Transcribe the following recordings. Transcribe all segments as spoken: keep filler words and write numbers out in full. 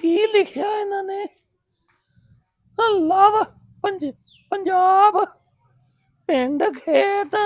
ਕੀ ਲਿਖਿਆ ਇਹਨਾਂ ਨੇ? ਲਵ ਪੰਜ ਪੰਜਾਬ ਪਿੰਡ ਖੇਤ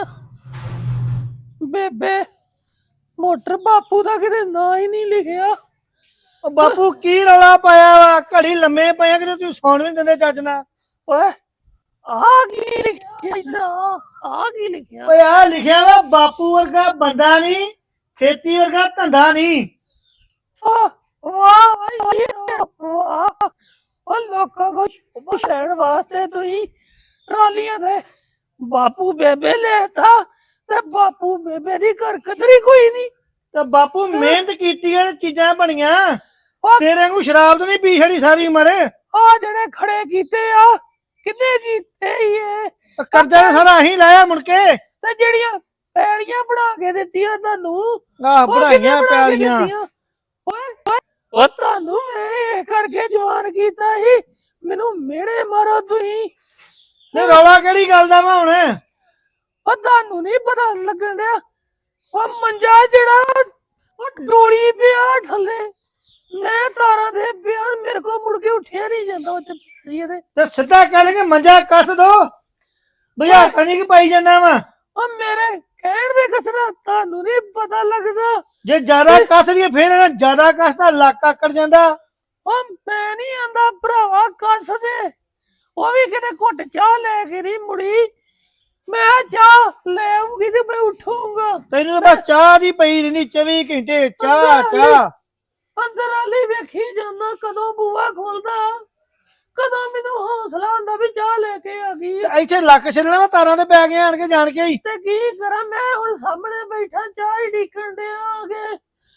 ਬੇਬੇ ਮੋਟਰ। ਬਾਪੂ ਦਾ ਕਿਤੇ ਨਾਂ ਹੀ ਨਹੀਂ ਲਿਖਿਆ। ਉਹ ਬਾਪੂ ਕੀ ਰੌਲਾ ਪਾਇਆ ਵਾ? ਘੜੀ ਲੰਮੇ ਪਏ ਕਿਤੇ ਤੂੰ ਸੌਣ ਵੀ ਨੀ ਦਿੰਦੇ ਚੱਜ ਨਾਲ। ਓਏ ਆ ਕੀ ਲਿਖਿਆ ਇਧਰ? ਆ ਕੀ ਲਿਖਿਆ? ਓਏ ਆ ਲਿਖਿਆ ਵਾ ਬਾਪੂ ਵਰਗਾ ਬੰਦਾ ਨਹੀਂ, ਖੇਤੀ ਵਰਗਾ ਧੰਦਾ ਨਹੀਂ। ਵਾਹ ਵਾਹ ਵਾਹ। ਉਹ ਲੋਕਾਂ ਕੋ ਪੁੱਛਣ ਵਾਸਤੇ ਤੁਸੀਂ ਟਰਾਲੀਆਂ ਤੇ ਬਾਪੂ ਬੇਬੇ ਲੈਤਾ ਤੇ ਬਾਪੂ ਬੇਬੇ ਦੀ ਹਰਕਤ ਕੋਈ ਨਹੀਂ। ਤੇ ਬਾਪੂ ਮਿਹਨਤ ਕੀਤੀ ਆ, ਚੀਜ਼ਾਂ ਬਣੀਆਂ। ਤੇਰੇ ਵਾਂਗੂ ਸ਼ਰਾਬ ਤਾਂ ਨਹੀਂ ਪੀ ਛੜੀ ਸਾਰੀ ਉਮਰ। ਆ ਜਿਹੜੇ ਖੜੇ ਕੀਤੇ ਆ ਕਿੰਨੇ ਕੀਤੇ ਹੀ ਇਹ ਕਰਜ਼ਾ ਨੇ ਸਾਰਾ ਅਸੀਂ ਲਾਇਆ ਮੁੜ ਕੇ। ਤੇ ਜਿਹੜੀਆਂ ਪੈਲੀਆਂ ਬਣਾ ਕੇ ਦਿੱਤੀਆਂ ਤੁਹਾਨੂੰ, ਆਹ ਬਣਾਈਆਂ ਪੈਲੀਆਂ। ਓਏ ਉਹ ਤੁਹਾਨੂੰ ਇਹ ਕਰਕੇ ਜਵਾਨ ਕੀਤਾ ਸੀ। ਮੈਨੂੰ ਮਿਹਣੇ ਮਾਰੋ ਤੁਸੀਂ। ਤੇ ਰੌਲਾ ਕਿਹੜੀ ਗੱਲ ਦਾ ਵਾ ਹੁਣ? ਉਹ ਤੁਹਾਨੂੰ ਨਹੀਂ ਪਤਾ ਲੱਗਣ ਡਿਆ? ਉਹ ਮੰਜਾ ਜਿਹੜਾ ਉਹ ਡੋਲੀ ਪਿਆ ਥੱਲੇ, ਮੈਂ ਤਾਰਾਂ ਦੇ ਪਿਆ, ਮੇਰੇ ਕੋਲ ਮੁੜ ਕੇ ਉੱਠਿਆ ਨਹੀਂ ਜਾਂਦਾ ਉੱਤੇ ਤੇ। ਤੇ ਸਿੱਧਾ ਕਹਿ ਲਗੇ ਮੰਜਾ ਕੱਸ ਦੋ, ਬੁਝਾਰਤਾਂ ਨਹੀਂ ਕਿ ਪਾਈ ਜਾਂਦਾ ਵਾ। ਉਹ ਮੇਰੇ ਕਹਿਣ ਦੇ ਕਸਰਾ ਤੁਹਾਨੂੰ ਨਹੀਂ ਪਤਾ ਲੱਗਦਾ? ਜੇ ਜ਼ਿਆਦਾ ਕੱਸ ਲਈਏ ਫੇਰ ਇਹਨਾਂ ਜ਼ਿਆਦਾ ਕੱਸ ਤਾਂ ਲੱਕ ਆਕੜ ਜਾਂਦਾ। ਉਹ ਮੈਂ ਨਹੀਂ ਆਂਦਾ ਭਰਾਵਾ ਕੱਸ ਦੇ। ਉਹ ਵੀ ਕਿਤੇ ਘੁੱਟ ਚਾਹ ਲੈ ਕੇ ਨਹੀਂ ਮੁੜੀ। ਮੈਂ ਚਾਹ ਲੈ ਆਉਂਗੀ ਤੇ ਮੈਂ ਉੱਠੂਗਾ। ਤੈਨੂੰ ਤਾਂ ਬਸ ਚਾਹ ਦੀ ਪਈ ਰਹਿੰਦੀ ਚੌਵੀ ਘੰਟੇ, ਚਾਹ ਚਾਹ। ਅੰਦਰ ਵਾਲੀ ਵੇਖੀ ਜਾਂਦਾ ਕਦੋਂ ਬੂਆ ਖੋਲਦਾ, ਕਦੋਂ ਮੈਨੂੰ ਹੌਸਲਾ ਹੁੰਦਾ ਵੀ ਚਾਹ ਲੈ ਕੇ ਆ ਗਈ। ਇੱਥੇ ਲੱਕ ਛੱਡਣਾ ਤਾਰਾਂ ਤੇ ਪੈ ਗਿਆ ਆਣ ਕੇ ਜਾਣ ਕੇ ਹੀ। ਤੇ ਕੀ ਕਰਾਂ ਮੈਂ ਹੁਣ? ਸਾਹਮਣੇ ਬੈਠਾ ਚਾਹ ਹੀ ਢੀਕਣ ਡਿਆਗੇ।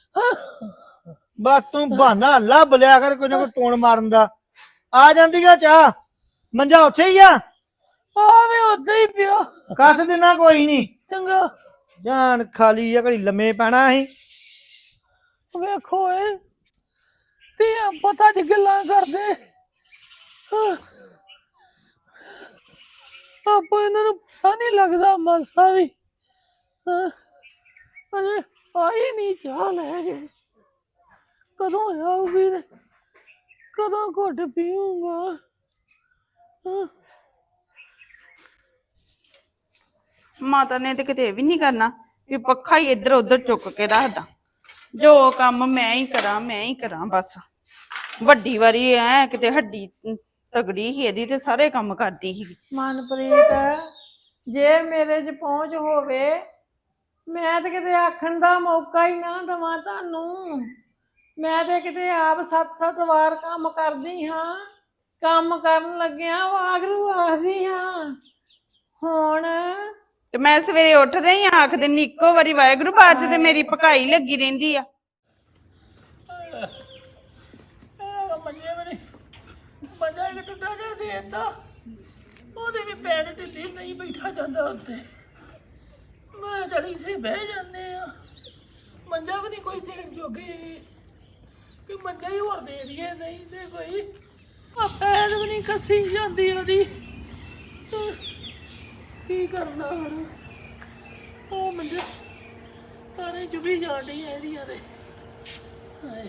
ਬਸ ਤੂੰ ਬਹਾਨਾ ਲੱਭ ਲਿਆ ਕਰ ਕੋਈ ਨਾ ਕੋਈ ਟੋਣ ਮਾਰਨ ਦਾ। ਆ ਜਾਂਦੀ ਆ ਚਾਹ, ਮੰਜਾ ਉੱਥੇ ਹੀ ਆ। ਆਵੇ ਉੱਥੇ ਹੀ ਪਿਆ। ਕੱਸ ਦੇਣਾ ਕੋਈ ਨਹੀਂ। ਚੰਗਾ ਜਾਨ ਖਾਲੀ ਆ, ਘੜੀ ਲੰਮੇ ਪੈਣਾ ਅਸੀਂ। ਵੇਖੋ ਏ ਤੇ ਪਤਾ ਜ ਗੱਲਾਂ ਕਰਦੇ ਆਪਾਂ ਇਹਨਾਂ ਨੂੰ ਪਤਾ ਨਹੀਂ ਲੱਗਦਾ ਮਾਸਾ ਵੀ। ਅਰੇ ਆਈ ਨਹੀਂ ਚਾਹ ਲੈ ਕੇ। ਕਦੋਂ ਆਊਗੀ ਤੇ ਕਦੋਂ ਘੁੱਟ ਪੀਊਂਗਾ? ਮਾਤਾ ਨੇ ਤੇ ਕਿਤੇ ਵੀ ਨਹੀਂ ਕਰਨਾ ਵੀ ਪੱਖਾ ਹੀ ਇੱਧਰ ਉੱਧਰ ਚੁੱਕ ਕੇ ਰੱਖਦਾ। ਜੋ ਕੰਮ ਮੈਂ ਹੀ ਕਰਾਂ ਮੈਂ ਹੀ ਕਰਾਂ ਬਸ। ਵੱਡੀ ਵਾਰੀ ਐ ਕਿਤੇ ਹੱਡੀ ਤਗੜੀ ਸੀ ਇਹਦੀ ਤੇ ਸਾਰੇ ਕੰਮ ਕਰਦੀ ਸੀ। ਮਨਪ੍ਰੀਤ, ਜੇ ਮੇਰੇ 'ਚ ਪਹੁੰਚ ਹੋਵੇ ਮੈਂ ਤੇ ਕਿਤੇ ਆਖਣ ਦਾ ਮੌਕਾ ਹੀ ਨਾ ਦਵਾਂ ਤੁਹਾਨੂੰ। ਮੈਂ ਤੇ ਕਿਤੇ ਆਪ ਸੱਤ ਸੱਤ ਵਾਰ ਕੰਮ ਕਰਦੀ ਹਾਂ। ਕੰਮ ਕਰਨ ਲੱਗਿਆ ਵਾਗਰੂ ਆਖਦੀ ਹਾਂ। ਹੁਣ ਤੇ ਮੈਂ ਸਵੇਰੇ ਉੱਠਦੇ ਹੀ ਆਖ ਦਿੰਦੀ ਇੱਕੋ ਵਾਰੀ ਵਾਹਿਗੁਰੂ। ਬਾਅਦ ਤੇ ਮੇਰੀ ਪਕਾਈ ਲੱਗੀ ਰਹਿੰਦੀ ਆ। ਮੰਜੇ ਬਣੇ ਮੰਜਾ ਇੱਕ ਟੁੱਟਾ ਜਿਹਾ ਦੇ ਦਿੱਤਾ। ਉਹਦੇ ਵੀ ਪੈਰ ਢਿੱਲੇ, ਨਹੀਂ ਬੈਠਾ ਜਾਂਦਾ ਉੱਤੇ। ਮੈਂ ਜੜੀ ਸੇ ਬਹਿ ਜਾਂਦੇ ਆ। ਮੰਜਾ ਵੀ ਨਹੀਂ ਕੋਈ ਦੇਣ ਜੋਗੇ ਕਿ ਮੰਜਾ ਹੀ ਹੋਰ ਦੇ ਦਈਏ। ਨਹੀਂ ਤੇ ਕੋਈ ਆ ਪੈਰ ਵੀ ਨਹੀਂ ਕੱਸੀ ਜਾਂਦੀ ਉਹਦੀ। ਕੀ ਕਰਨਾ ਹੁਣ? ਉਹ ਮੰਜਾ ਤਾਰੇ ਚੁਭੀ ਜਾਣ ਡਈ ਇਹਦੀਆਂ ਤੇ। ਹਾਏ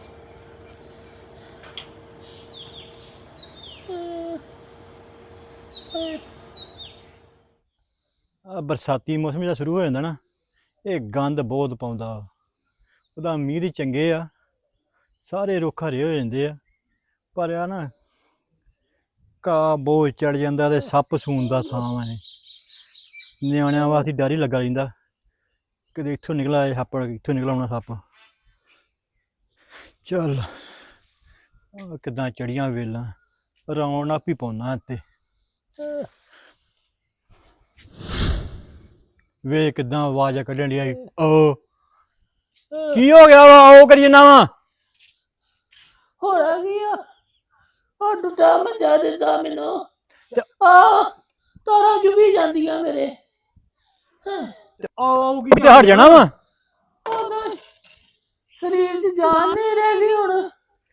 ਆ ਬਰਸਾਤੀ ਮੌਸਮ ਜਿਹੜਾ ਸ਼ੁਰੂ ਹੋ ਜਾਂਦਾ ਨਾ, ਇਹ ਗੰਦ ਬਹੁਤ ਪਾਉਂਦਾ। ਉਹਦਾ ਮੀਂਹ ਦੀ ਚੰਗੇ ਆ, ਸਾਰੇ ਰੁੱਖ ਹਰੇ ਹੋ ਜਾਂਦੇ ਆ, ਪਰ ਆ ਨਾ ਘਾਹ ਬਹੁਤ ਚੜ ਜਾਂਦਾ ਤੇ ਸੱਪ ਸੂਣ ਦਾ ਥਾਂ ਵਾ ਇਹ। ਨਿਆਣਿਆਂ ਵਾਸਤੇ ਡਰ ਹੀ ਲੱਗਾ ਰਹਿੰਦਾ, ਕਦੇ ਇੱਥੋਂ ਨਿਕਲ ਆਏ ਸੱਪ, ਇੱਥੋਂ ਨਿਕਲ ਆਉਣਾ ਸੱਪ। ਚੱਲ ਕਿੱਦਾਂ ਚੜੀਆਂ ਵੇਲਾਂ, ਰੌਣਕ ਵੀ ਪਾਉਣਾ ਇੱਥੇ। ਵੇ ਕਿੱਦਾਂ ਆਵਾਜ਼ਾਂ ਕੱਢਣ ਡੀਆਂ। ਓ ਕੀ ਹੋ ਗਿਆ ਵਾ? ਉਹ ਕਰੀ ਨਾ ਵਾ ਹੋਣਾ ਕੀ ਆ? ਉਹ ਡੁੱਟਾ ਮੰਜਾ ਦਿੱਤਾ ਮੈਨੂੰ। ਆ ਤਾਰਾਂ ਚੁਭੀ ਜਾਂਦੀਆਂ ਮੇਰੇ। ਉਹ ਤੇ ਹਟ ਜਾਣਾ ਵਾ। ਸਰੀਰ 'ਚ ਜਾਨ ਨਹੀਂ ਰਹਿ ਗਈ ਹੁਣ।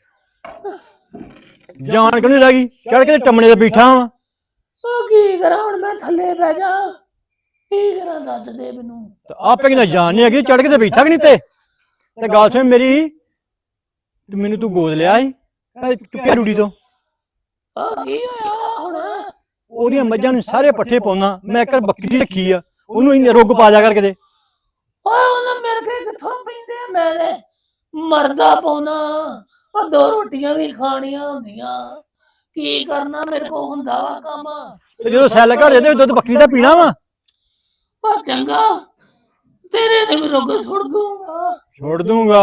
ਜਾਨ ਕਿਉਂ ਨਹੀਂ ਰਹਿ ਗਈ? ਚੜ ਕੇ ਟੰਮਣੇ ਤੇ ਬੈਠਾ ਵਾ। ਉਹ ਕੀ ਕਰਾਂ ਹੁਣ? ਮੈਂ ਥੱਲੇ ਬਹਿ ਜਾ, ਕੀ ਕਰਾਂ ਦੱਸ ਦੇ ਮੈਨੂੰ। ਆਪੇ ਕਿੰਨਾ ਜਾਨ ਨਹੀਂ ਹੈਗੀ, ਚੜ ਕੇ ਤੇ ਬੈਠਾ ਕਿ ਨਹੀਂ ਤੇ। ਤੇ ਗੱਲ ਸੁਣ ਮੇਰੀ, ਤੇ ਮੈਨੂੰ ਤੂੰ ਗੋਦ ਲਿਆ ਸੀ ਕੱਲ ਚੁੱਕਿਆ ਡਿਊਟੀ ਤੋਂ ਆ ਕੀ ਹੋਇਆ ਹੁਣ? ਉਹਦੀਆਂ ਮੱਝਾਂ ਨੂੰ ਸਾਰੇ ਪੱਠੇ ਪਾਉਣਾ, ਮੈਂ ਇੱਕ ਬੱਕਰੀ ਰੱਖੀ ਆ, ਉਹਨੂੰ ਇੰਨੇ ਰੁੱਗ ਪਾ ਜਾ ਕਰ ਕਿਤੇ। ਓਏ ਉਹਨਾਂ ਮੇਰੇ ਕੇ ਕਿੱਥੋਂ ਪੈਂਦੇ ਆ, ਮੈਂ ਤੇ ਮਰਦਾ ਪਾਉਣਾ। ਉਹ ਦੋ ਰੋਟੀਆਂ ਵੀ ਖਾਣੀਆਂ ਹੁੰਦੀਆਂ, ਕੀ ਕਰਨਾ ਮੇਰੇ ਕੋ ਹੁੰਦਾ ਵਾ ਕੰਮ। ਤੇ ਜਦੋਂ ਸੈੱਲ ਘਰ ਜਾਂਦੇ ਦੁੱਧ ਬੱਕਰੀ ਦਾ ਪੀਣਾ ਵਾ। ਉਹ ਚੰਗਾ ਤੇਰੇ ਨੇ ਵੀ ਰੁੱਗ ਸੁੱਟ ਦੂੰਗਾ। ਛੋੜ ਦੂੰਗਾ,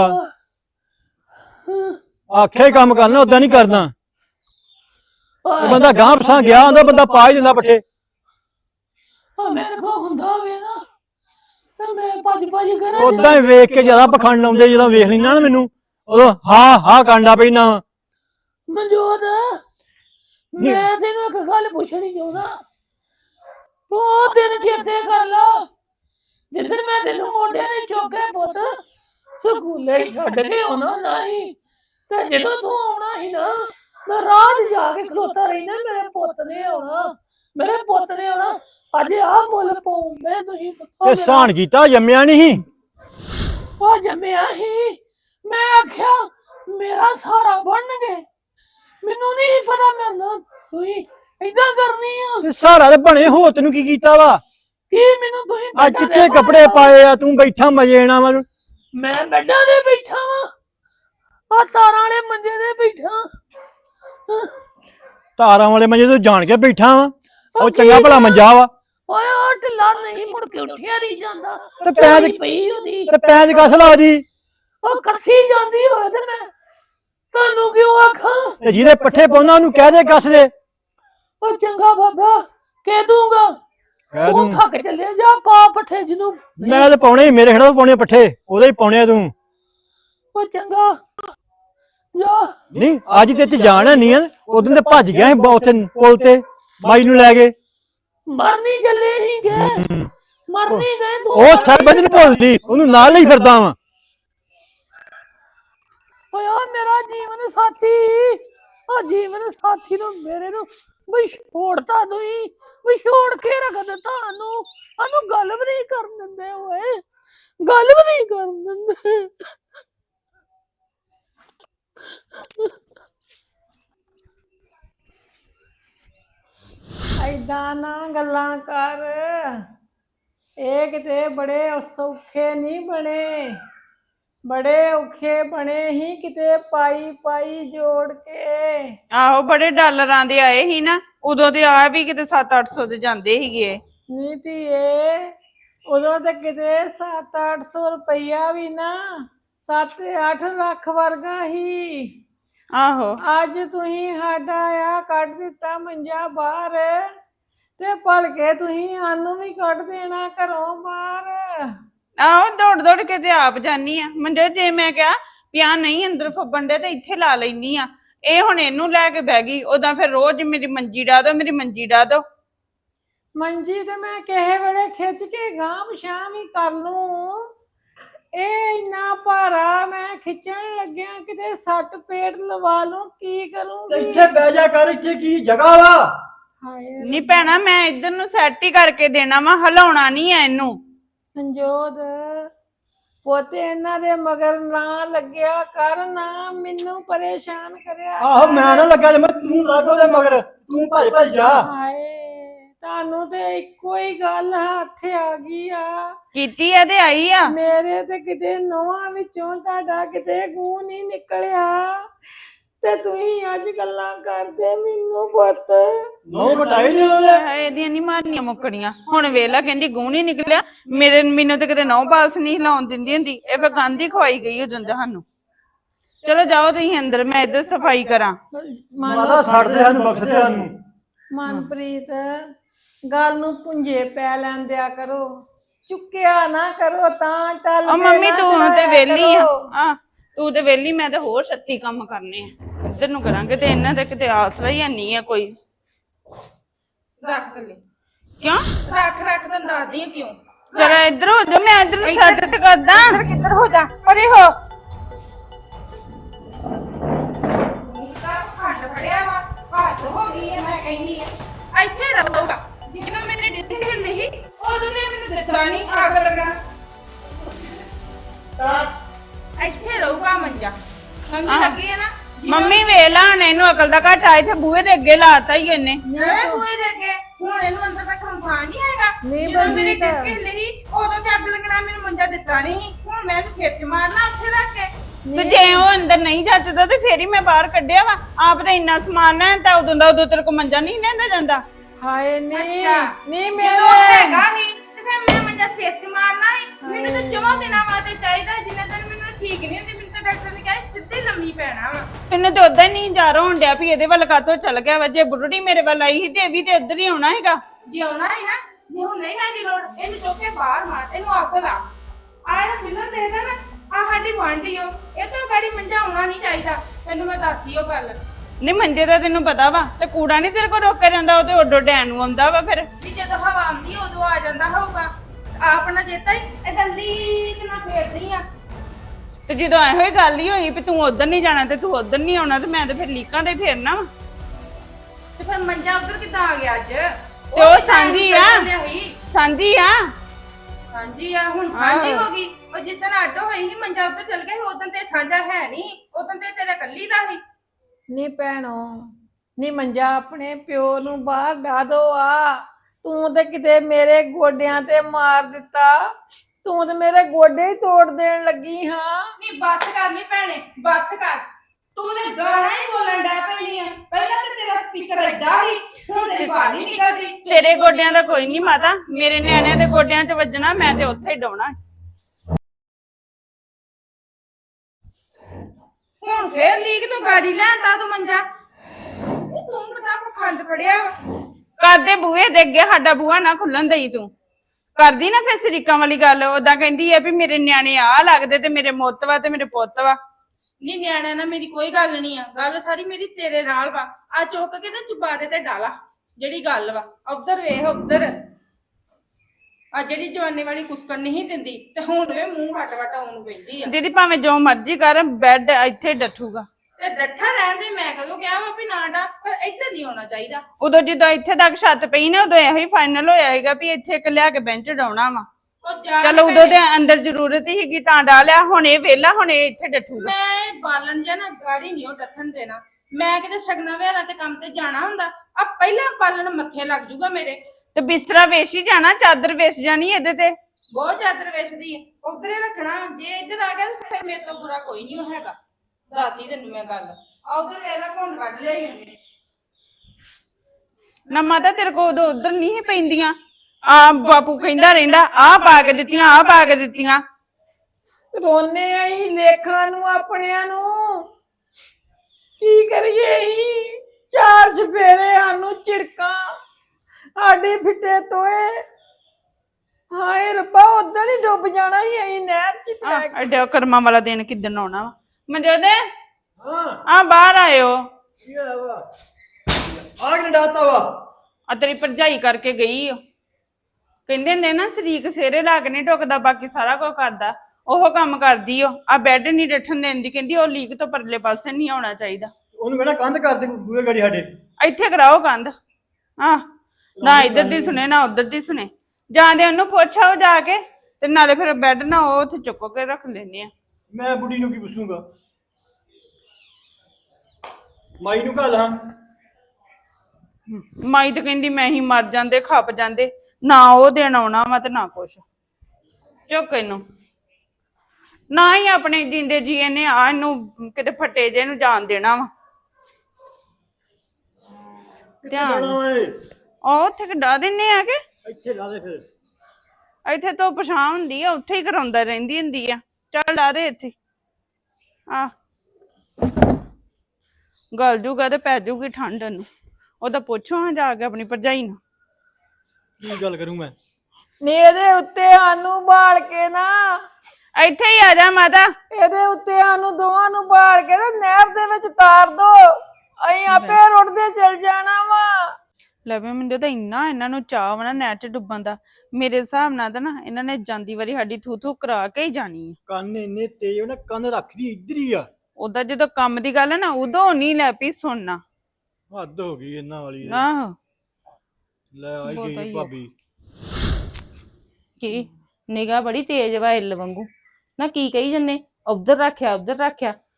ਆਖਿਆ ਹੀ ਕੰਮ ਕਰਨਾ, ਉਦਾਂ ਨਹੀਂ ਕਰਦਾ। ਉਹ ਬੰਦਾ ਗਾਂਹ ਪਸਾਂ ਗਿਆ ਹੁੰਦਾ, ਬੰਦਾ ਪਾ ਹੀ ਦਿੰਦਾ ਪੱਠੇ। ਉਹ ਮੇਰੇ ਕੋ ਹੁੰਦਾ ਹੋਵੇ ਨਾ ਤੇ ਮੈਂ ਭੱਜ ਭੱਜ ਕਰਾਂ। ਉਦਾਂ ਹੀ ਵੇਖ ਕੇ ਜ਼ਿਆਦਾ ਪਖੰਡ ਆਉਂਦੇ, ਜਦੋਂ ਵੇਖ ਲੈਣਾ ਨਾ ਮੈਨੂੰ ਉਦੋਂ ਹਾਂ ਹਾਂ ਕਾਂਡਾ ਪੈਣਾ। ਮਨਜੋਤ ਮੈਂ ਤੈਨੂੰ ਇੱਕ ਗੱਲ ਪੁੱਛਣੀ ਚਾਹੁੰਦਾ, ਉਹ ਦਿਨ ਚੇਤੇ ਕਰ ਲਾ ਜਿੱਦਣ ਮੈਂ ਤੈਨੂੰ ਮੋਢਿਆਂ ਨੇ ਚੁੱਕ ਕੇ ਪੁੱਤ ਸਕੂਲੇ ਛੱਡ ਕੇ ਆਉਣਾ ਨਹੀਂ, ਤੇ ਜਦੋਂ ਤੂੰ ਆਉਣਾ ਸੀ ਨਾ ਮੈਂ ਰਾਹ 'ਚ ਜਾ ਕੇ ਖਲੋਤਾ ਰਹਿਣਾ, ਮੇਰੇ ਪੁੱਤ ਨੇ ਆਉਣਾ, ਮੇਰੇ ਪੁੱਤ ਨੇ ਆਉਣਾ। ਅੱਜ ਆਹ ਮੁੱਲ ਪਾਉਂਦੇ ਤੁਸੀਂ। ਤੇ ਸਾਨ ਕੀਤਾ ਜੰਮਿਆ ਨਹੀਂ ਸੀ। ਉਹ ਜੰਮਿਆ ਸੀ, ਮੈਂ ਆਖਿਆ ਮੇਰਾ ਸਹਾਰਾ ਬਣਨਗੇ, ਮੈਨੂੰ ਨਹੀਂ ਪਤਾ ਮੇਰੇ ਨਾਲ ਤੁਸੀਂ ਏਦਾਂ ਕਰਨੀ ਆ। ਤੇ ਸਹਾਰਾ ਤੇ ਬਣੇ ਹੋ, ਤੈਨੂੰ ਕੀ ਕੀਤਾ ਵਾ? ਕੀ ਮੈਨੂੰ ਤੁਸੀਂ ਅੱਜ ਚਿੱਟੇ ਕੱਪੜੇ ਪਾਏ ਆ, ਤੂੰ ਬੈਠਾ ਮਜੇ ਨਾਲ ਵਾ। ਮੈਂ ਬੈੱਡਾਂ ਤੇ ਬੈਠਾ ਵਾਂ, ਆ ਤਾਰਾਂ ਵਾਲੇ ਮੰਜੇ ਤੇ ਬੈਠਾ। ਤਾਰਾਂ ਵਾਲੇ ਮੰਜੇ ਤੋਂ ਜਾਣ ਕੇ ਬੈਠਾ ਵਾ, ਉਹ ਚੰਗਾ ਭਲਾ ਮੰਜਾ ਵਾ। ਓਏ ਉਹ ਢਿੱਲਾ ਨਹੀਂ ਮੁੜ ਕੇ ਉੱਠਿਆ ਨਹੀਂ ਜਾਂਦਾ, ਤੇ ਪੈਰ ਝੋਲੀ ਪਈ ਉਹਦੀ, ਤੇ ਪੈਂਜ ਕਸ ਲਾਦੀ। ਉਹ ਕੱਸੀ ਜਾਂਦੀ ਹੋਏ ਤੇ ਮੈਂ ਤੁਹਾਨੂੰ ਕਿਉਂ ਆਖਾਂ? ਤੇ ਜਿਹਦੇ ਪੱਠੇ ਪਾਉਣਾ ਉਹਨੂੰ ਕਹਿ ਦੇ ਕੱਸ ਦੇ। ਉਹ ਚੰਗਾ ਬਾਬਾ ਕਹਿ ਦੂੰਗਾ, ਕਹਿ ਤੂੰ ਦੂੰ, ਥੱਕ ਚੱਲਿਆ ਜਾ ਪਾ ਪੱਠੇ ਜਿਹਨੂੰ। ਮੈਂ ਤੇ ਪਾਉਣੇ ਹੀ, ਮੇਰੇ ਖੜਾ ਪਾਉਣੇ ਪੱਠੇ, ਉਹਦੇ ਹੀ ਪਾਉਣੇ ਆ ਤੂੰ। ਉਹ ਚੰਗਾ ਜਾ। ਨਹੀਂ ਅੱਜ ਤੇ ਤੇ ਜਾਣਾ ਨਹੀਂ ਆ, ਉਦੋਂ ਤੇ ਭੱਜ ਗਿਆ ਸੀ ਉੱਥੇ ਪੁਲ ਤੇ ਬਾਈ ਨੂੰ ਲੈ ਕੇ। ਮਰਨੀ ਚੱਲੇ ਹੀ ਗਏ, ਮਰਨੀ ਗਏ ਤੂੰ। ਉਹ ਸਰਬੰਦ ਨਹੀਂ ਭੁੱਲਦੀ, ਉਹਨੂੰ ਨਾਲ ਲਈ ਫਿਰਦਾ ਵਾ। ਓਏ ਆ ਮੇਰਾ ਜੀਵਨ ਸਾਥੀ, ਆ ਜੀਵਨ ਸਾਥੀ ਨੂੰ ਮੇਰੇ ਨੂੰ ਵਿਛੋੜਤਾ ਤੁਸੀਂ, ਵਿਛੋੜ ਕੇ ਰੱਖ ਦਿੱਤਾ ਸਾਨੂੰ। ਸਾਨੂੰ ਗੱਲ ਵੀ ਨਹੀਂ ਕਰਨ ਦਿੰਦੇ, ਓਏ ਗੱਲ ਵੀ ਨਹੀਂ ਕਰਨ ਦਿੰਦੇ। ਐਦਾਂ ਨਾ ਗੱਲਾਂ ਕਰ, ਇਹ ਕਿਤੇ ਬੜੇ ਸੌਖੇ ਨਹੀਂ ਬਣੇ, ਬੜੇ ਔਖੇ ਬਣੇ ਹੀ ਕਿਤੇ ਪਾਈ ਪਾਈ ਜੋੜ ਕੇ। ਆਹੋ ਬੜੇ ਡਾਲਰਾਂ ਦੇ ਆਏ ਸੀ ਨਾ, ਉਦੋਂ ਤੇ ਆ ਵੀ ਕਿਤੇ ਸੱਤ ਅੱਠ ਸੌ ਦੇ ਜਾਂਦੇ ਸੀਗੇ। ਨੀ ਧੀਏ ਉਦੋਂ ਤੇ ਕਿਤੇ ਸੱਤ ਅੱਠ ਸੌ ਰੁਪਈਆ ਵੀ ਨਾ ਸੱਤ ਅੱਠ ਲੱਖ ਵਰਗਾ ਹੀ। ਆਹੋ ਅੱਜ ਤੁਸੀਂ ਸਾਡਾ ਆ ਕੱਢ ਦਿੱਤਾ ਮੰਜਾ ਬਾਹਰ, ਤੇ ਭਲਕੇ ਤੁਸੀਂ ਸਾਨੂੰ ਵੀ ਕੱਢ ਦੇਣਾ ਘਰੋਂ ਬਾਹਰ। ਆਹੋ ਦੌੜ ਦੌੜ ਕੇ ਤੇ ਆਪ ਜਾਨੀ ਆ ਮੰਜੇ। ਜੇ ਮੈਂ ਕਿਹਾ ਵੀ ਆ ਨਹੀਂ ਅੰਦਰ ਫੱਬਣ ਦੇ ਤੇ ਇੱਥੇ ਲਾ ਲੈਨੀ ਆ, ਇਹ ਹੁਣ ਇਹਨੂੰ ਲੈ ਕੇ ਬਹਿ ਗਈ। ਉਦਾਂ ਫਿਰ ਰੋਜ਼ ਮੇਰੀ ਮੰਜੀ ਡਾ ਦੋ, ਮੇਰੀ ਮੰਜੀ ਡਾ ਦੋ। ਮੰਜੀ ਤੇ ਮੈਂ ਕਿਸੇ ਵੇਲੇ ਖਿੱਚ ਕੇ ਗਾਂ ਪਛਾਂ ਵੀ ਕਰ ਲੂੰ, ਇਹ ਇੰਨਾ ਭਾਰਾ ਮੈਂ ਖਿੱਚਣ ਲੱਗਿਆ ਕਿਤੇ ਸੱਟ ਪੇਟ ਲਵਾ ਲੂੰ, ਕੀ ਕਰੂੰਗੀ? ਇੱਥੇ ਬਹਿ ਜਾ ਕਰ, ਇੱਥੇ ਕੀ ਜਗ੍ਹਾ ਵਾ? ਹਾਏ ਨਹੀਂ ਭੈਣਾ ਮੈਂ ਇੱਧਰ ਨੂੰ ਸੈੱਟ ਹੀ ਕਰਕੇ ਦੇਣਾ ਵਾ, ਹਿਲਾਉਣਾ ਨਹੀਂ ਐ ਇਹਨੂੰ। ਮਨਜੋਤ ਪੋਤੇ ਇਹਨਾਂ ਦੇ ਮਗਰ ਨਾ ਲੱਗਿਆ ਕਰ, ਨਾ ਮੈਨੂੰ ਪਰੇਸ਼ਾਨ ਕਰਿਆ। ਆਹੋ ਮੈਂ ਨਾ ਲੱਗਾ, ਮੈਂ ਤੂੰ ਲੱਗ ਉਹਦੇ ਮਗਰ, ਤੂੰ ਭੱਜ ਭੱਜ ਜਾ। ਹਾਏ ਤੁਹਾਨੂੰ ਤੇ ਇੱਕੋ ਹੀ ਗੱਲ ਹੱਥ ਆ ਗਈ ਆ। ਕੀਤੀ ਆ ਤੇ ਆਈ ਆ। ਮੇਰੇ ਤੇ ਕਿਤੇ ਨੋਹਾਂ ਵਿੱਚੋਂ ਤੁਹਾਡਾ ਕਿਤੇ ਗੂੰ ਨਹੀਂ ਨਿਕਲਿਆ, ਤੇ ਤੁਸੀਂ ਅੱਜ ਗੱਲਾਂ ਕਰਦੇ ਮੈਨੂੰ ਪੁੱਤ। ਨੋ ਮਟਾਈ ਦੇ ਉਹਦੇ। ਇਹਦੀਆਂ ਨਹੀਂ ਮਾਰਨੀਆਂ ਮੁੱਕੜੀਆਂ। ਹੁਣ ਵੇਲਾ ਕਹਿੰਦੀ ਗੂੰ ਨਹੀਂ ਨਿਕਲਿਆ, ਮੇਰੇ ਮੈਨੂੰ ਤੇ ਕਿਤੇ ਨੌ ਬਾਲਸ ਨਹੀਂ ਲਾਉਣ ਦਿੰਦੀ ਹੁੰਦੀ। ਇਹ ਫਿਰ ਗਾਂਧੀ ਖਵਾਈ ਗਈ ਉਦੋਂ ਸਾਨੂੰ। ਚਲੋ ਜਾਓ ਤੁਸੀਂ ਅੰਦਰ, ਮੈਂ ਇੱਧਰ ਸਫਾਈ ਕਰਾਂ। ਮਾਤਾ ਛੱਡਦੇ ਸਾਨੂੰ, ਬਖਸ਼ਦੇ ਸਾਨੂੰ। ਮਨਪ੍ਰੀਤ ਗੱਲ ਨੂੰ ਪੁੰਜੇ ਪੈ ਲੈਣ ਦਿਆ ਕਰੋ, ਚੁੱਕਿਆ ਨਾ ਕਰੋ ਤਾਂ ਟਲ ਉਹ ਮੰਮੀ ਤੂੰ ਤੇ ਵੇਲੀ ਆ, ਆ ਤੂੰ ਤੇ ਵੇਲੀ, ਮੈਂ ਤੇ ਹੋਰ ਛੱਤੀ ਕੰਮ ਕਰਨੇ ਆ। ਇੱਧਰ ਨੂੰ ਕਰਾਂਗੇ ਤੇ ਇਹਨਾਂ ਤੇ ਕਿਤੇ ਆਸਰਾ ਹੀ ਨਹੀਂ ਆ ਕੋਈ। ਰੱਖ ਥੱਲੇ ਕਿਉਂ ਰੱਖ ਰੱਖ ਤਾਂ ਦੱਸਦੀ ਆ ਕਿਉਂ। ਜਰਾ ਇੱਧਰ ਹੋ ਜਾ, ਮੈਂ ਇੱਧਰ ਨੂੰ ਸੈੱਟ ਤੇ ਕਰਦਾ। ਇੱਧਰ ਕਿੱਧਰ ਹੋ ਜਾ, ਪਰੇ ਹੋ। ਖੰਡ ਫੜਿਆ ਵਾ, ਹੱਥ ਹੋ ਗਈ ਹੈ। ਮੈਂ ਕਹਿੰਦੀ ਆ ਇੱਥੇ ਰਹੂਗਾ, ਜਦੋਂ ਮੇਰੇ ਡਿਸੀਜਨ ਨਹੀਂ ਉਦੋਂ ਨੇ ਮੈਨੂੰ ਦਿੱਤਾ ਨਹੀਂ, ਅੱਗ ਲੱਗਾ। ਇੱਥੇ ਰਹੂਗਾ ਮੰਜਾ, ਸਮਝ ਲੱਗੀ ਹੈ ਨਾ? ਮੰਮੀ ਵੇਖ ਲਾ ਹੁਣ ਇਹਨੂੰ ਅਕਲ ਦਾ ਘਾਟਾ ਇੱਥੇ ਬੂਹੇ ਦੇ ਅੱਗੇ ਲਾਤਾ ਹੀ ਇਹਨੇ ਮੈਂ ਬੂਏ ਦੇ ਅੱਗੇ ਹੁਣ ਇਹਨੂੰ ਅੰਦਰ ਤੱਕ ਖੰਫਾ ਨਹੀਂ ਹੈਗਾ ਨਹੀਂ ਜਦੋਂ ਮੇਰੀ ਬਲਜੀਤ। ਡਿਸਕ ਹਿੱਲੀ ਸੀ ਉਦੋਂ ਤੇ ਅੱਗ ਲੱਗਣਾ ਮੈਨੂੰ ਮੰਜਾ ਦਿੱਤਾ ਨਹੀਂ ਸੀ। ਹੁਣ ਮੈਂ ਇਹਨੂੰ ਸਿਰ 'ਚ ਮਾਰਨਾ ਉੱਥੇ ਰੱਖ ਕੇ ਤੇ ਜੇ ਉਹ ਅੰਦਰ ਨਹੀਂ ਜੱਜਦਾ ਤੇ ਫੇਰ ਹੀ ਮੈਂ ਬਾਹਰ ਕੱਢਿਆ ਵਾ ਆਪ ਤੇ ਇੰਨਾ ਸਮਾਨ ਹੈ ਤਾਂ ਉਦੋਂ ਦਾ ਉਦੋਂ ਤੇਰੇ ਕੋ ਮੰਜਾ ਨਹੀਂ ਲੈਂਦਾ ਜਾਂਦਾ ਹਾਏ ਨਹੀਂ ਅੱਛਾ ਨਹੀਂ ਜਦੋਂ ਮੇਰੇ ਹੈਗਾ ਸੀ ਤੇ ਫਿਰ ਮੈਂ ਮੰਜਾ ਸਿਰ 'ਚ ਮਾਰਨਾ ਸੀ ਮੈਨੂੰ ਤਾਂ ਚੌਂ ਦਿਨਾਂ ਵਾਸਤੇ ਚਾਹੀਦਾ ਜਿੰਨੇ ਦਿਨ ਮੈਨੂੰ ਠੀਕ ਨਹੀਂ ਹੁੰਦੀ ਮੈਨੂੰ ਤਾਂ ਡਾਕਟਰ ਨੇ ਕਿਹਾ ਸੀ ਸਿੱਧੇ ਲੰਮੀ ਪੈਣਾ ਵਾ ਤੈਨੂੰ ਤੇ ਉਦਾਂ ਹੀ ਨਹੀਂ ਜਾ ਹੋਣ ਡਿਆ ਵੀ ਇਹਦੇ ਵੱਲ ਕਾਤੋਂ ਚੱਲ ਗਿਆ ਵਾ ਜੇ ਬੁੱਢੜੀ ਮੇਰੇ ਵੱਲ ਆਈ ਸੀ ਤੇ ਇਹ ਵੀ ਤੇ ਇੱਧਰ ਹੀ ਆਉਣਾ ਹੈਗਾ ਜੇ ਆਉਣਾ ਹੈ ਨਾ ਜੇ ਹੁਣ ਨਹੀਂ ਨਾ ਇਹਦੀ ਲੋੜ ਇਹਨੂੰ ਚੁੱਕ ਕੇ ਬਾਹਰ ਮਾਰ ਇਹਨੂੰ ਅੱਗ ਲਾ ਆਹ ਜਿਹੜਾ ਮਿਲਣ ਦੇਦਾ ਨਾ ਆ ਸਾਡੀ ਵਾਂਢੀ ਓ ਇਹ ਤੋਂ ਗਾੜੀ ਮੰਜਾ ਆਉਣਾ ਨਹੀਂ ਚਾਹੀਦਾ ਤੈਨੂੰ ਮੈਂ ਦੱਸਦੀ ਉਹ ਗੱਲ ਨਹੀਂ ਮੰਜੇ ਦਾ ਤੈਨੂੰ ਪਤਾ ਵਾ ਤੇ ਕੂੜਾ ਨਹੀਂ ਤੇਰੇ ਕੋਲ ਰੋਕਿਆ ਜਾਂਦਾ ਉਹ ਤੇ ਓਡੋ ਡੈਨ ਨੂੰ ਆਉਂਦਾ ਵਾ ਫਿਰ ਵੀ ਜਦੋਂ ਹਵਾ ਆਉਂਦੀ ਆ, ਉਦੋਂ ਆ ਜਾਂਦਾ ਹੋਊਗਾ ਆਪਣਾ ਚੇਤਾ ਹੀ ਇਹਦਾ ਲੀਕ ਨਾ ਫੇਰਦੀ ਆ ਤੇ ਜਦੋਂ ਇਹੋ ਹੀ ਗੱਲ ਹੀ ਹੋਈ ਵੀ ਤੂੰ ਉਧਰ ਨਹੀਂ ਜਾਣਾ ਤੇ ਤੂੰ ਉਧਰ ਨਹੀਂ ਆਉਣਾ ਤੇ ਮੈਂ ਤੇ ਫਿਰ ਲੀਕਾਂ ਦੇ ਫੇਰਨਾ ਵਾ ਤੇ ਫਿਰ ਮੰਜਾ ਉਧਰ ਕਿੱਦਾਂ ਆ ਗਿਆ ਅੱਜ ਤੇ ਉਹ ਸਾਂਝੀ ਆ ਲਿਆਈ ਸਾਂਝੀ ਆ ਸਾਂਝੀ ਆ ਹੁਣ ਸਾਂਝੀ ਹੋ ਗਈ ਉਹ ਜਿੱਦਣ ਅੱਡ ਹੋਈ ਸੀ ਮੰਜਾ ਉਧਰ ਚਲ ਗਿਆ ਸੀ ਉਦੋਂ ਤੇ ਸਾਂਝਾ ਹੈ ਨਹੀਂ ਉਦੋਂ ਤੇ ਤੇਰੇ ਕੱਲੀ ਦਾ ਸੀ ਨੀ ਭੈਣੋ ਨੀ ਮੰਜਾ ਆਪਣੇ ਪਿਓ ਨੂੰ ਬਾਹਰ ਡਾ ਦੋ ਆ ਤੂੰ ਤੇ ਕਿਤੇ ਮੇਰੇ ਗੋਡਿਆਂ ਤੇ ਮਾਰ ਦਿੱਤਾ ਤੂੰ ਤੇ ਮੇਰੇ ਗੋਡੇ ਹੀ ਤੋੜ ਦੇਣ ਲੱਗੀ ਹਾਂ ਨਹੀਂ ਬੱਸ ਕਰ ਨਹੀਂ ਭੈਣੇ ਬੱਸ ਕਰ ਤੂੰ ਤੇ ਗਾਣਾ ਹੀ ਬੋਲਣ ਡੈ ਪੈਣੀ ਆ ਪਹਿਲਾਂ ਤੇ ਤੇਰਾ ਸਪੀਕਰ ਐਡਾ ਸੀ ਹੁਣ ਤੇ ਬਾਹਰ ਨਹੀਂ ਨਿਕਲਦੀ ਤੇਰੇ ਗੋਡਿਆਂ ਦਾ ਕੋਈ ਨਹੀਂ ਮਾਤਾ ਮੇਰੇ ਨਿਆਣਿਆਂ ਦੇ ਗੋਡਿਆਂ 'ਚ ਵੱਜਣਾ ਮੈਂ ਤੇ ਉੱਥੇ ਹੀ ਡਾਉਣਾ ਹੁਣ ਫੇਰ ਲੀਕ ਤੋਂ ਗਾੜੀ ਲੈਂਦਾ ਤੂੰ ਮੰਜਾ ਇਹ ਤੂੰ ਕਿੰਨਾ ਪਖੰਡ ਫੜਿਆ ਵਾ ਕਰਦੇ ਬੂਹੇ ਦੇ ਅੱਗੇ ਸਾਡਾ ਬੂਹਾ ਨਾ ਖੁੱਲਣ ਦੇਈ ਤੂੰ ਕਰਦੀ ਨਾ ਫਿਰ ਸਰੀਕਾਂ ਵਾਲੀ ਗੱਲ ਉਦਾਂ ਕਹਿੰਦੀ ਆ ਵੀ ਮੇਰੇ ਨਿਆਣੇ ਆ ਲੱਗਦੇ ਤੇ ਮੇਰੇ ਮੁੱਤ ਵਾ ਤੇ ਮੇਰੇ ਪੁੱਤ ਵਾ ਨਹੀਂ ਨਿਆਣਿਆਂ ਨਾਲ ਮੇਰੀ ਕੋਈ ਗੱਲ ਨਹੀਂ ਆ ਗੱਲ ਸਾਰੀ ਮੇਰੀ ਤੇਰੇ ਨਾਲ ਵਾ ਆ ਚੁੱਕ ਕੇ ਤੇ ਚੁਬਾਰੇ ਤੇ ਡਾਲਾ ਜਿਹੜੀ ਗੱਲ ਵਾ ਉਧਰ ਵੇਖ ਉਧਰ ਆ ਜਿਹੜੀ ਜਵਾਨੀ ਵਾਲੀ ਕੁਸਕਣ ਨਹੀਂ ਦਿੰਦੀ ਤੇ ਹੁਣ ਵੇ ਮੂੰਹ ਵਟ ਵਟ ਆਉਣ ਨੂੰ ਪੈਂਦੀ ਆ ਦੀਦੀ ਭਾਵੇਂ ਜੋ ਮਰਜ਼ੀ ਕਰ ਬੈੱਡ ਇੱਥੇ ਡੱਠੂਗਾ ਤੇ ਡੱਠਾ ਰਹਿੰਦੇ ਮੈਂ ਕਦੋਂ ਕਿਹਾ ਵਾ ਵੀ ਨਾ ਡਾ ਪਰ ਇੱਧਰ ਨਹੀਂ ਆਉਣਾ ਚਾਹੀਦਾ ਉਦੋਂ ਜਦੋਂ ਇੱਥੇ ਤੱਕ ਛੱਤ ਪਈ ਨਾ ਉਦੋਂ ਇਹੋ ਹੀ ਫਾਈਨਲ ਹੋਇਆ ਹੈਗਾ ਵੀ ਇੱਥੇ ਇੱਕ ਲਿਆ ਕੇ ਬੈਂਚ ਡਾਉਣਾ ਵਾ ਉਹ ਜਾ ਚਲੋ ਉਦੋਂ ਦੇ ਅੰਦਰ ਜ਼ਰੂਰਤ ਹੀ ਹੈਗੀ ਤਾਂ ਡਾ ਲਿਆ ਹੁਣ ਇਹ ਵਿਹਲਾ ਹੁਣ ਇਹ ਇੱਥੇ ਡੱਠੂਗਾ ਮੈਂ ਬਾਲਣ ਜਾਂ ਨਾ ਗਾੜੀ ਨਹੀਂ ਉਹ ਡੱਥਣ ਦੇਣਾ ਮੈਂ ਕਿਤੇ ਸਗਨਾ ਵਿਹਾਰਾਂ ਤੇ ਕੰਮ ਤੇ ਜਾਣਾ ਹੁੰਦਾ ਆ ਪਹਿਲਾਂ ਬਾਲਣ ਮੱਥੇ ਲੱਗ ਜੂਗਾ ਮੇਰੇ ਤੇ ਬਿਸਤਰਾ ਵੇਚ ਹੀ ਜਾਣਾ ਚਾਦਰ ਵੇਚ ਜਾਣੀ ਇਹਦੇ ਤੇ ਬਹੁਤ ਚਾਦਰ ਵੇਚਦੀ ਹੈ ਉਧਰੇ ਰੱਖਣਾ ਜੇ ਇੱਧਰ ਆ ਗਿਆ ਤਾਂ ਫਿਰ ਮੇਰੇ ਤੋਂ ਬੁਰਾ ਕੋਈ ਨਹੀਂ ਹੈਗਾ ਦਾਦੀ ਤੈਨੂੰ ਮੈਂ ਗੱਲ ਆ ਉਧਰ ਵੇਲਾ ਘੁੰਡ ਕੱਢ ਲਿਆ ਹੀ ਨਾ ਮਾਤਾ ਤੇਰੇ ਕੋਲ ਉਦੋਂ ਉਧਰ ਨਹੀਂ ਸੀ ਪੈਂਦੀਆਂ ਆ ਬਾਪੂ ਕਹਿੰਦਾ ਰਹਿੰਦਾ ਆ ਪਾ ਕੇ ਦਿੱਤੀਆਂ ਆ ਪਾ ਕੇ ਦਿੱਤੀਆਂ ਰੋਨੇ ਆਈ ਲੇਖਾਂ ਨੂੰ ਆਪਣਿਆਂ ਨੂੰ ਕੀ ਕਰੀਏ ਹੀ ਚਾਰ ਚਫੇਰੇ ਸਾਨੂੰ ਝਿੜਕਾਂ ਸਾਡੇ ਫਿੱਟੇ ਤੋਏ ਹਾਏ ਰੱਬਾ ਉਦੋਂ ਹੀ ਡੁੱਬ ਜਾਣਾ ਹੀ ਅਸੀਂ ਨਹਿਰ ਚ ਆ ਪੈ ਕੇ। ਐਡਾ ਕਰਮਾਂ ਵਾਲਾ ਦਿਨ ਕਿੱਦਣ ਆਉਣਾ ਵਾ ਮਨਜੋਦੇ ਹਾਂ ਆ ਬਾਹਰ ਆਇਓ ਕੀ ਹੋਇਆ ਵਾ ਆ ਕਿ ਡਾਤਾ ਵਾ ਆ ਤੇਰੀ ਭਰਜਾਈ ਕਰਕੇ ਗਈ ਓ ਕਹਿੰਦੇ ਹੁੰਦੇ ਨਾ ਸਰੀਕ ਸੇਰੇ ਲਾ ਕੇ ਨਹੀਂ ਟੁਕਦਾ ਬਾਕੀ ਸਾਰਾ ਕੁਝ ਕਰਦਾ ਉਹ ਕੰਮ ਕਰਦੀ ਓ ਆ ਬੈੱਡ ਨਹੀਂ ਡੱਠਣ ਦਿੰਦੀ ਕਹਿੰਦੀ ਉਹ ਲੀਕ ਤੋਂ ਪਰਲੇ ਪਾਸੇ ਨਹੀਂ ਆਉਣਾ ਚਾਹੀਦਾ ਉਹਨੂੰ ਮੇਰਾ ਕੰਧ ਕਰ ਦੇ ਬੂਹੇ ਗਾੜੀ ਸਾਡੇ ਇੱਥੇ ਕਰਾਓ ਕੰਧ ਹਾਂ ਨਾ ਇੱਧਰ ਦੀ ਸੁਣੇ ਨਾ ਉੱਧਰ ਦੀ ਸੁਣੇ ਜਾਂਦੇ ਉਹਨੂੰ ਪੁੱਛਾਓ ਜਾ ਕੇ ਤੇ ਨਾਲੇ ਫਿਰ ਬੈੱਡ ਨਾ ਉਹ ਉੱਥੇ ਚੁੱਕ ਕੇ ਰੱਖ ਲੈਨੇ ਆ ਮੈਂ ਬੁੱਢੀ ਨੂੰ ਕੀ ਪੁੱਛੂੰਗਾ ਮਾਈ ਨੂੰ ਘੱਲ ਹਾਂ ਮਾਈ ਤਾਂ ਕਹਿੰਦੀ ਮੈਂ ਹੀ ਮਰ ਜਾਂਦੇ ਖੱਪ ਜਾਂਦੇ ਨਾ ਉਹ ਦਿਨ ਆਉਣਾ ਵਾ ਤੇ ਨਾ ਕੁਛ ਚੁੱਕ ਇਹਨੂੰ ਨਾ ਹੀ ਆਪਣੇ ਜਿੰਦੇ ਜੀ ਇਹਨੇ ਆ ਇਹਨੂੰ ਕਿਤੇ ਫੱਟੇ ਜੇ ਨੂੰ ਜਾਣ ਦੇਣਾ ਵਾ ਧਿਆਨ ਓਏ ਉਹ ਉੱਥੇ ਕਢਾ ਦਿੰਨੇ ਆ ਕਿ ਇੱਥੇ ਲਾ ਦੇ ਫਿਰ ਇੱਥੇ ਤੋਂ ਪਛਾਣ ਹੁੰਦੀ ਆ ਉੱਥੇ ਹੀ ਕਰਾਉਂਦਾ ਰਹਿੰਦੀ ਹੁੰਦੀ ਆ ਚੱਲ ਲਾ ਦੇ ਇੱਥੇ ਆ ਗਲ ਜੂਗਾ ਤੇ ਪੈ ਜੂਗੀ ਠੰਡ ਨੂੰ ਉਹਦਾ ਪੁੱਛੋ ਹਾਂ ਜਾ ਕੇ ਆਪਣੀ ਭਰਜਾਈ ਨੂੰ ਕੀ ਗੱਲ ਕਰੂੰ ਮੈਂ ਨੀ ਇਹਦੇ ਉੱਤੇ ਸਾਨੂੰ ਬਾਲ ਕੇ ਨਾ ਇੱਥੇ ਹੀ ਆ ਜਾ ਮਾਤਾ ਇਹਦੇ ਉੱਤੇ ਸਾਨੂੰ ਦੋਵਾਂ ਨੂੰ ਬਾਲ ਕੇ ਤੇ ਨਹਿਰ ਦੇ ਵਿੱਚ ਤਾਰ ਦੋ ਅਸੀਂ ਆਪੇ ਰੁੜਦੇ ਚਲ ਜਾਣਾ ਵਾ ਲੈ ਵੀ ਮੈਨੂੰ ਤਾਂ ਇੰਨਾ ਇਹਨਾਂ ਨੂੰ ਚਾਅ ਵਾ ਨਾ ਨਹਿਰ ਚ ਡੁੱਬਣ ਦਾ ਮੇਰੇ ਹਿਸਾਬ ਨਾਲ ਤਾਂ ਨਾ ਇਹਨਾਂ ਨੇ ਜਾਂਦੀ ਵਾਰੀ ਸਾਡੀ ਥੂ ਥੂ ਕਰਾ ਕੇ ਹੀ ਜਾਣੀ ਆ ਕੰਨ ਇੰਨੇ ਤੇਜ਼ ਉਹਨੇ ਕੰਨ ਰੱਖਦੀ ਇੱਧਰ ਹੀ ਆ ਉਹਦਾ ਜਦੋਂ ਕੰਮ ਦੀ ਗੱਲ ਹੈ ਨਾ ਉਦੋਂ ਨਹੀਂ ਲੈ ਪਈ ਸੁਣਨਾ ਹੱਦ ਹੋ ਗਈ ਇਹਨਾਂ ਵਾਲੀ ਆਹੋ ਲੈ ਆਈ ਬਹੁਤਾ ਹੀ ਗਈ ਆ। ਭਾਬੀ ਕੀ ਨਿਗਾਹ ਬੜੀ ਤੇਜ਼ ਵਾ ਇੱਲ ਵਾਂਗੂ ਨਾ ਕੀ ਕਹੀ ਜੰਨੇ ਉਧਰ ਰੱਖਿਆ ਉਧਰ ਰੱਖਿਆ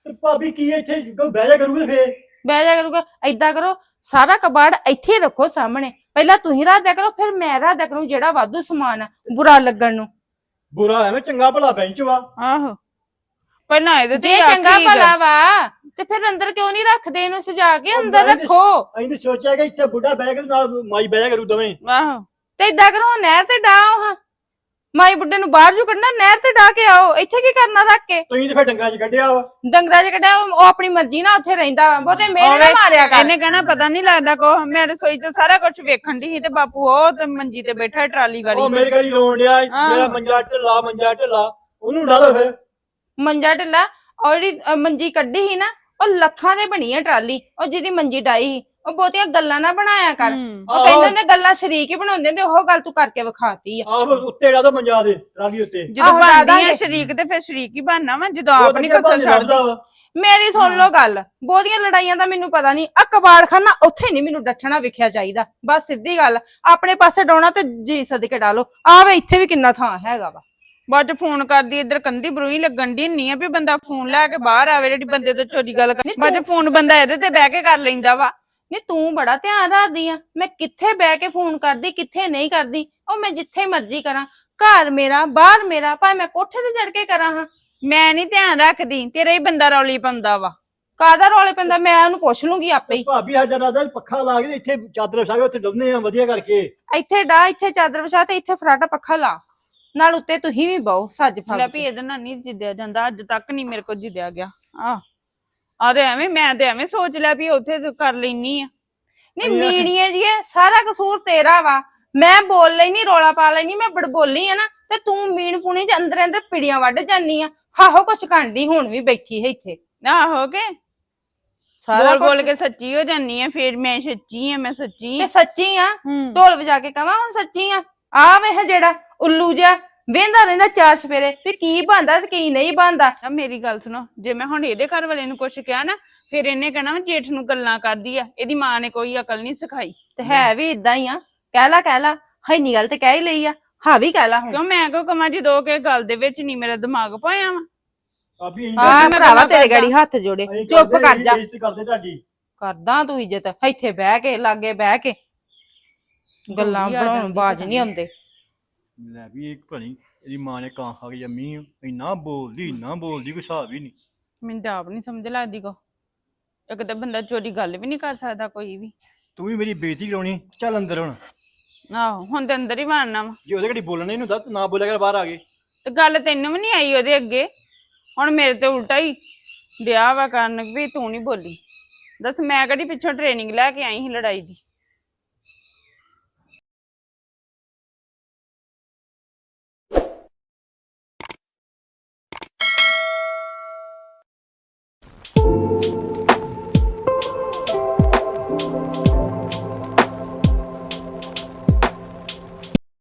ਤੇ ਭਾਬੀ ਕੀ ਇੱਥੇ ਕੋਈ ਬਹਿ ਜਾ ਕਰੂਗਾ ਫੇਰ ਬਹਿ ਜਾ ਕਰੂਗਾ। ਏਦਾਂ ਕਰੋ, ਸਾਰਾ ਕਬਾੜ ਇੱਥੇ ਰੱਖੋ ਸਾਹਮਣੇ, ਪਹਿਲਾਂ ਤੁਸੀਂ ਰੱਖ ਦਿਆ ਕਰੋ, ਫਿਰ ਮੈਂ ਰੱਖ ਦਿਆ ਕਰੂੰ ਜਿਹੜਾ ਵਾਧੂ ਸਮਾਨ ਆ ਬੁਰਾ ਲੱਗਣ ਨੂੰ। ਬੁਰਾ ਐਵੇਂ ਚੰਗਾ ਭਲਾ ਬੈਂਚ ਵਾ। ਆਹੋ ਪਹਿਲਾਂ ਇਹਦੇ ਤੇ ਜੇ ਆਖੀ ਚੰਗਾ ਗਾ। ਭਲਾ ਵਾ ਤੇ ਫਿਰ ਅੰਦਰ ਕਿਉਂ ਨਹੀਂ ਰੱਖਦੇ, ਇਹਨੂੰ ਸਜਾ ਕੇ ਅੰਦਰ ਮੈਂ ਤੇ- ਰੱਖੋ। ਅਸੀਂ ਤਾਂ ਸੋਚਿਆ ਕਿ ਇੱਥੇ ਬੁੱਢਾ ਬਹਿ ਕੇ ਨਾਲ ਮਾਈ ਬਹਿ ਜਾ ਕਰੂ ਦੋਵੇਂ। ਆਹੋ ਤੇ ਏਦਾਂ ਕਰੋ, ਨਹਿਰ ਤੇ ਡਾਓ ਹਾਂ, ਮਾਈ ਬੁੱਢੇ ਨੂੰ ਬਾਹਰ ਜੂ ਕੱਢਣਾ, ਨਹਿਰ ਤੇ ਡਾ ਕੇ ਆਓ। ਇੱਥੇ ਕੀ ਕਰਨਾ ਰੱਖ ਕੇ? ਤੁਸੀਂ ਤੇ ਫਿਰ ਡੰਗਰਾਂ 'ਚ ਕੱਢਿਆ ਵਾ। ਡੰਗਰਾਂ 'ਚ ਕੱਢਿਆ, ਉਹ ਉਹ ਆਪਣੀ ਮਰਜ਼ੀ ਨਾਲ ਉੱਥੇ ਰਹਿੰਦਾ ਵਾ, ਬਹੁਤੇ ਮੇਰੇ ਨਾ ਉਹਨੇ- ਮਾਰਿਆ ਕਰ। ਇਹਨੇ ਕਹਿਣਾ ਪਤਾ ਨਹੀਂ ਲੱਗਦਾ ਕੋ ਮੈਂ ਰਸੋਈ 'ਚ ਸਾਰਾ ਕੁਝ ਵੇਖਣ ਦੀ ਸੀ ਤੇ ਬਾਪੂ ਉਹ ਤੇ ਮੰਜੀ ਤੇ ਬੈਠਾ ਟਰਾਲੀ ਉਹ ਵਾਲੀ ਮੇਰੇ ਗਲੀ ਰੋਣ ਡਿਆ ਆਹ। ਮੇਰਾ ਮੰਜਾ ਢਿੱਲਾ ਮੰਜਾ ਢਿੱਲਾ ਉਹਨੂੰ ਡਾਲੋ ਫਿਰ। ਮੰਜਾ ਢਿੱਲਾ, ਔਰ ਜਿਹੜੀ ਅ, ਮੰਜੀ ਕੱਢੀ ਸੀ ਨਾ, ਉਹ ਲੱਖਾਂ ਦੇ ਬਣੀ ਆ ਟਰਾਲੀ, ਉਹ ਜਿਹਦੀ ਮੰਜੀ ਡਾਈ ਸੀ। ਉਹ ਬਹੁਤੀਆਂ ਗੱਲਾਂ ਨਾ ਬਣਾਇਆ ਕਰ। ਹੂੰ। ਉਹ ਕਹਿੰਦੇ ਨੇ ਗੱਲਾਂ ਸ਼ਰੀਕ ਹੀ ਬਣਾਉਂਦੇ ਨੇ, ਉਹ ਗੱਲ ਤੂੰ ਕਰਕੇ ਵਿਖਾਤੀ ਆ। ਆਹੋ ਉੱਤੇ ਡਾ ਦੋ ਮੰਜਾ ਦੇ ਟਰਾਲੀ ਉੱਤੇ। ਜਦੋਂ ਆਹੋ, ਬਣਦੀ ਆ ਦਾਦਾਂਗੇ। ਸ਼ਰੀਕ ਤੇ ਫਿਰ ਸ਼ਰੀਕ ਹੀ ਬਣਨਾ ਵਾ ਜਦੋਂ ਉਹ ਆਪ ਤਾਂ ਨਹੀਂ ਅੱਗੇ ਕਸਰ ਭਾਵੇਂ ਛੱਡਦੀ। ਲੱਭਦਾ ਵਾ। ਮੇਰੀ ਸੁਣ ਲਓ ਗੱਲ, ਬਹੁਤੀਆਂ ਲੜਾਈਆਂ ਦਾ ਮੈਨੂੰ ਪਤਾ ਨਹੀਂ, ਆ ਕਬਾੜਖਾਨਾ ਉੱਥੇ ਨਹੀਂ ਮੈਨੂੰ ਡੱਠਣਾ ਵਿਖਿਆ ਚਾਹੀਦਾ। ਬਸ ਸਿੱਧੀ ਗੱਲ, ਆਪਣੇ ਪਾਸੇ ਡਾਉਣਾ ਤੇ ਜੀ ਸਦਕੇ ਡਾਲੋ। ਆਵੇ ਇੱਥੇ ਵੀ ਕਿੰਨਾ ਥਾਂ ਹੈਗਾ ਵਾ। ਬਾਅਦ ਚ ਫੋਨ ਕਰਦੀ ਇੱਧਰ ਕੰਦੀ ਬਰੂਈ ਲੱਗਣ ਦੀ ਨਹੀਂ ਆ ਵੀ ਬੰਦਾ ਫੋਨ ਲੈ ਕੇ ਬਾਹਰ ਆਵੇ ਜਿਹੜੀ ਬੰਦੇ ਤੋਂ ਚੋਰੀ ਗੱਲ ਕਰ। ਬਾਅਦ ਚ ਫੋਨ ਬੰਦਾ ਇਹਦੇ ਤੇ ਬਹਿ ਕੇ ਕਰ ਲੈਂਦਾ ਵਾ। ਨਹੀਂ ਤੂੰ ਬੜਾ ਧਿਆਨ ਰੱਖਦੀ ਆ, ਮੈਂ ਕਿੱਥੇ ਬਹਿ ਕੇ ਫੋਨ ਕਰਦੀ ਕਿੱਥੇ ਨਹੀਂ ਕਰਦੀ। ਉਹ ਮੈਂ ਜਿੱਥੇ ਮਰਜ਼ੀ ਕਰਾਂ, ਘਰ ਮੇਰਾ ਬਾਹਰ ਮੇਰਾ, ਭਾਵੇਂ ਮੈਂ ਕੋਠੇ ਤੇ ਚੜ ਕੇ ਕਰਾਂ ਹਾਂ। ਮੈਂ ਨਹੀਂ ਧਿਆਨ ਰੱਖਦੀ, ਤੇਰਾ ਹੀ ਬੰਦਾ ਰੌਲੀ ਪਾਉਂਦਾ ਵਾ। ਕਾਹਦਾ ਰੌਲੇ ਪੈਂਦਾ, ਮੈਂ ਉਹਨੂੰ ਪੁੱਛ ਲੂੰਗੀ ਆਪੇ ਹੀ। ਭਾਬੀ ਸਾਡਾ ਰਾਦਾ ਪੱਖਾ ਲਾ ਕੇ ਇੱਥੇ ਚਾਦਰ ਵਿਛਾ ਕੇ ਉੱਥੇ ਡੁੱਬਨੇ ਆ ਵਧੀਆ ਕਰਕੇ। ਇੱਥੇ ਡਾ, ਇੱਥੇ ਚਾਦਰ ਵਿਛਾ ਤੇ ਇੱਥੇ ਫਰਾਟਾ ਪੱਖਾ ਲਾ, ਨਾਲ ਉੱਤੇ ਤੁਸੀਂ ਵੀ ਬਹੁ ਸੱਜ ਲੈ ਫੱਬ ਵੀ ਕੇ। ਇਹਦੇ ਨਾਲ ਨਹੀਂ ਜਿੱਦਿਆ ਜਾਂਦਾ, ਅੱਜ ਤੱਕ ਨਹੀਂ ਮੇਰੇ ਕੋਲ ਜਿੱਦਿਆ ਗਿਆ। ਆਹ ਆ ਤੇ ਐਵੇਂ ਮੈਂ ਤੇ ਐਵੇਂ ਸੋਚ ਲਿਆ ਵੀ ਉੱਥੇ ਤੇ ਕਰ ਲੈਣੀ ਆ। ਨਹੀਂ ਮੀਣੀਏ ਜੀ, ਸਾਰਾ ਕਸੂਰ ਤੇਰਾ ਵਾ। ਮੈਂ ਬੋਲ ਲੈਣੀ, ਰੌਲਾ ਪਾ ਲੈਣੀ, ਮੈਂ ਬੜਬੋਲੀ ਆ ਨਾ, ਤੇ ਤੂੰ ਮੀਣ ਪੁਣੀ ਚ ਅੰਦਰ ਅੰਦਰ ਪਿੜੀਆਂ ਵੱਢ ਜਾਨੀ ਆ। ਹਾਹੋ ਕੁਛ ਕਰਦੀ, ਹੁਣ ਵੀ ਬੈਠੀ ਹੈ ਇੱਥੇ। ਆਹੋ ਕੇ ਸਾਰਾ ਬੋਲ ਬੋਲ ਕੁਛ ਕੇ ਸੱਚੀ ਹੋ ਜਾਨੀ ਆ, ਫਿਰ ਮੈਂ ਸੱਚੀ ਆ, ਮੈਂ ਸੱਚੀ ਤੇ ਆ। ਸੱਚੀ ਆ। ਹੂੰ। ਢੋਲ ਵਜਾ ਕੇ ਕਵਾਂ ਹੁਣ ਸੱਚੀ ਆ? ਆ ਵੇਖ ਜਿਹੜਾ ਉੱਲੂ ਜਿਹਾ ਵੇਂਦਾ ਰਹਿੰਦਾ ਚਾਰ ਸਵੇਰੇ ਵੀ ਕੀ ਬਣਦਾ ਤੇ ਕੀ ਨਹੀਂ ਬਣਦਾ। ਆ ਮੇਰੀ ਗੱਲ ਸੁਣੋ, ਜੇ ਮੈਂ ਹੁਣ ਇਹਦੇ ਘਰ ਵਾਲੇ ਨੂੰ ਕੁਛ ਕਿਹਾ ਨਾ, ਫਿਰ ਇਹਨੇ ਕਹਿਣਾ ਵਾ ਜੇਠ ਨੂੰ ਗੱਲਾਂ ਕਰਦੀ ਆ, ਇਹਦੀ ਮਾਂ ਨੇ ਕੋਈ ਅਕਲ ਨਹੀਂ ਸਿਖਾਈ। ਤੇ ਹੈ ਵੀ ਇਦਾਂ ਹੀ ਆ। ਕਹਿ ਲਾ ਕਹਿ ਲਾ, ਹੈਨੀ ਗੱਲ ਤੇ ਕਹਿ ਹੀ ਲਈ ਆ, ਹਾਂ ਵੀ ਕਹਿ ਲਾ ਹੁਣ। ਕਿਉਂ ਮੈਂ ਕਿਉਂ ਕਵਾਂ ਜਦੋਂ ਕਿ ਗੱਲ ਦੇ ਵਿੱਚ ਨਹੀਂ ਮੇਰਾ ਦਿਮਾਗ ਪਾਇਆ ਵਾ। ਭਾਬੀ ਅਸੀਂ ਆ ਮੈਂ ਭਰਾਵਾ ਗੱਲਾਂ ਤੇਰੇ ਕਰਦਾ। ਗਾੜੀ ਹੱਥ ਜੋੜੇ, ਅਸੀਂ ਚੁੱਪ ਕਰਦੇ, ਕਰ ਜਾ। ਬੇਇੱਜ਼ਤੀ ਕਰਦੇ ਤੁਹਾਡੀ। ਕਰਦਾ ਤੂੰ ਇੱਜ਼ਤ ਇੱਥੇ ਬਹਿ ਕੇ, ਲਾਗੇ ਬਹਿ ਕੇ ਗੱਲਾਂ ਗੋਲੀ ਆ ਬਣਾਉਣ ਜਾਂਦੀ ਬਾਜ ਪਤਾ ਨਹੀਂ ਆਉਂਦੇ। ਲੈ ਵੀ ਇੱਕ ਭਣੀ ਇਹਦੀ ਮਾਂ ਨੇ ਕਾਂ ਖਾ ਕੇ ਜੰਮੀ ਆ। ਇੰਨਾ ਬੋਲਦੀ ਇੰਨਾ ਬੋਲਦੀ ਕੋਈ ਹਿਸਾਬ ਹੀ ਨਹੀਂ। ਮੈਨੂੰ ਤਾਂ ਆਪ ਨਹੀਂ ਸਮਝ ਲੱਗਦੀ ਕੋ। ਇੱਕ ਤਾਂ ਬੰਦਾ ਚੋਰੀ ਗੱਲ ਵੀ ਨਹੀਂ ਕਰ ਸਕਦਾ ਕੋਈ ਵੀ। ਤੂੰ ਵੀ ਮੇਰੀ ਬੇਇੱਜ਼ਤੀ ਕਰਾਉਣੀ, ਚੱਲ ਅੰਦਰ ਹੁਣ। ਆਹੋ ਹੁਣ ਤੇ ਅੰਦਰ ਹੀ ਵੜਨਾ ਵਾ। ਜੇ ਉਹਦੇ ਘੜੀ ਬੋਲਣਾ ਇਹਨੂੰ ਦੱਸ, ਨਾ ਬੋਲਿਆ ਕਰ ਬਾਹਰ ਆ ਗਏ। ਤੇ ਗੱਲ ਤੈਨੂੰ ਵੀ ਨਹੀਂ ਆਈ ਉਹਦੇ ਅੱਗੇ, ਹੁਣ ਮੇਰੇ ਤੇ ਉਲਟਾ ਹੀ ਵਿਆਹ ਵਾ ਕਰਨ ਵੀ ਤੂੰ ਨਹੀਂ ਬੋਲੀ। ਦੱਸ ਮੈਂ ਕਿਹੜੀ ਪਿੱਛੋਂ ਟ੍ਰੇਨਿੰਗ ਲੈ ਕੇ ਆਈ ਸੀ ਲੜਾਈ ਦੀ।